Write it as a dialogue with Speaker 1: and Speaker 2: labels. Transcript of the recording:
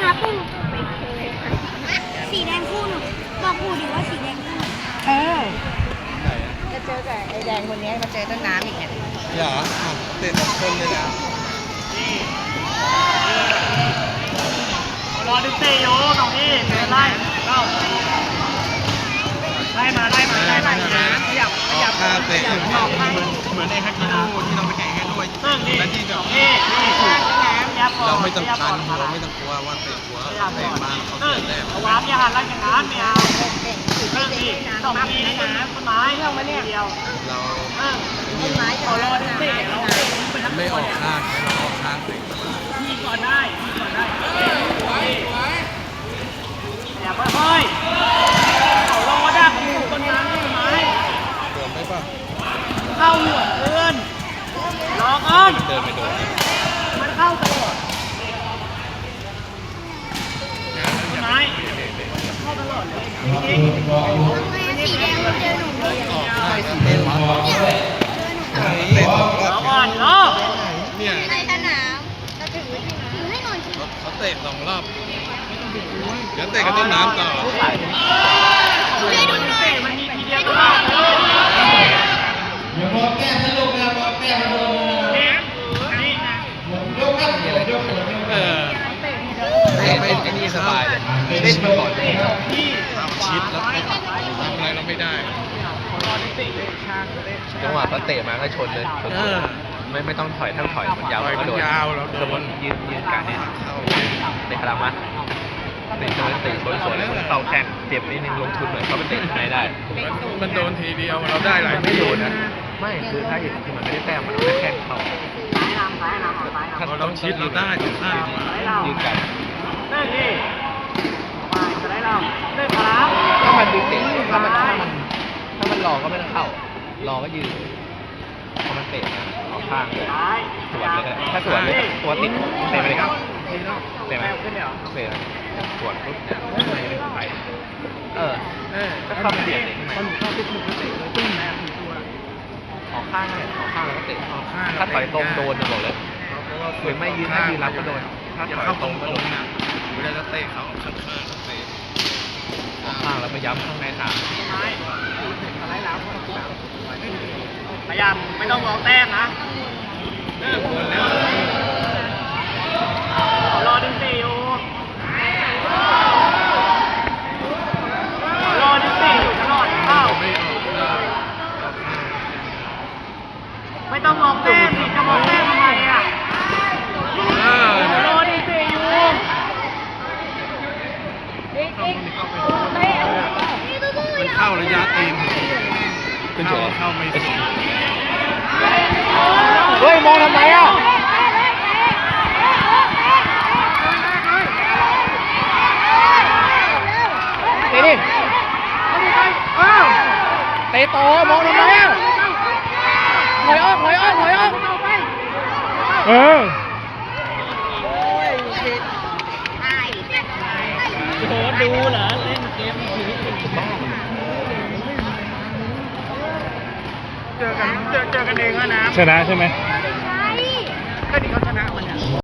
Speaker 1: าปูสีแดงคู่หนูบอกปูดิว่าสีแดงคู่
Speaker 2: จะเจอกับไอ้แดงคนนี้มาเจอต้นน้ำอีกเนี่ย
Speaker 3: เหรอเตะ2 คนเลยนะ
Speaker 4: รอดึงเตะโยตรงนี้เตะไล่เข้าไล่มาขยับ
Speaker 3: ท่าเตะ
Speaker 4: เหมือนไอ้ฮักกิโน่ที่เราไปแข่งกันด้วยและที่แบบ
Speaker 3: เราไม่ต้องการเราไม่ต้องกลัวว่าเตะหัวเตะมาเขาเสียแต้ม
Speaker 4: เอาวางอย่าหันไล่อย่างนั้นไม่เอาเรื่องนี้ต้องมีนะต้นไม้เรื่องมาเนี่ยเดียว
Speaker 3: เรา
Speaker 2: ต้นไม้จะรอดึงเตะเรา
Speaker 3: ไม่ออกข้างเราออกข้างเตะ
Speaker 4: มีก่อนได้อย่าค่อยๆเขาลงมาดักอยู่ต้นไม้
Speaker 3: โดนไหมป่ะ
Speaker 4: เข้าหัวเดินรอก่อน
Speaker 3: เดินไม่โดน
Speaker 4: มันเข้าตลอดต้นไม้เข้าตลอดเลยจริง
Speaker 1: สีแดงมันเจอหนูเลย
Speaker 3: ออกข้างเตะ2 รอบ
Speaker 4: ก่อนเนาะ
Speaker 3: เนี่ย
Speaker 1: ในสนามเราถือให้หน่อยสิ
Speaker 3: เขาเตะ2 รอบเดี๋ยวเตะกับต้นน้ำต่อ
Speaker 4: มันมีทีเดียว
Speaker 5: อย่ามองแก้มนะลูกนะมองแก้มนะลูกยกครับยก
Speaker 3: ไม่ไอ้นี่สบายเลยเล่นมาก่อนชิดแล้วทำอะไรเราไม่ได้
Speaker 6: จังหวะเขาเตะมาก็ชนเลยไม่ต้องถอยทั้งถอยมันยาวก็โดนสมมติยืนการเนี่ยเตะขลังมาเตะชนสวนแล้วเข้าแข้งเจ็บนิดนึงลงทุนหน่อยเขาไปเตะไหนได้
Speaker 3: มันโดนทีเดียวเราได้หลายไม่โดนนะ
Speaker 6: ไม่คือถ้าอย่างที่มันไม่ได้แต้มมันไม่แข้งเข้า
Speaker 3: ถ้าเราชิดเราได้ถึงข้าง
Speaker 6: ยืนกัน
Speaker 4: เล่นดิมาจะได้เราเล่นครับ
Speaker 6: ถ้ามันดึงเตะถ้ามันรอก็ไม่ต้องเข้ารอก็ยืนพอมันเตะมาเอาข้างเลยสวนเลยถ้าสวนเลยตัวติดเตะไปเลยครับเตะไหมเตะสวนปุ๊บเนี่ยไม่ได้ไปก็เข้าไปเบียดเตะทำไมเข้าปุ๊บมันเตะเลยตึ้งนะออกข้างเลยออกข้างแล้วก็เตะถ้าถอยตรงโดนจะบอกเลยหรือไม่ยืนรับก็โดนถ้าถอยตรงก็โดนนะ
Speaker 3: เวลาจะเตะเขาข้างเขาเตะ
Speaker 6: ออกข้างแล้วไปย้ำข้างในถาม
Speaker 4: พยายามไม่ต้องมองแต้มนะรอดึงตีอยู่รอดึงตีอยู่ตลอดเข้าไม่ต้องมองแต้มจะมองแต้มทำไมอ่ะรอดึงตีอยู่
Speaker 3: มันเข้าระยะตีนเข้าไม่สุด
Speaker 6: เฮ้ยมองทำไมอ่ะเตะดิเตะต่อมองทำไมอ่ะถอยออก
Speaker 4: โหดูเหรอเล่นเกมเจอกันเองนะ
Speaker 5: ชนะใช่ไหม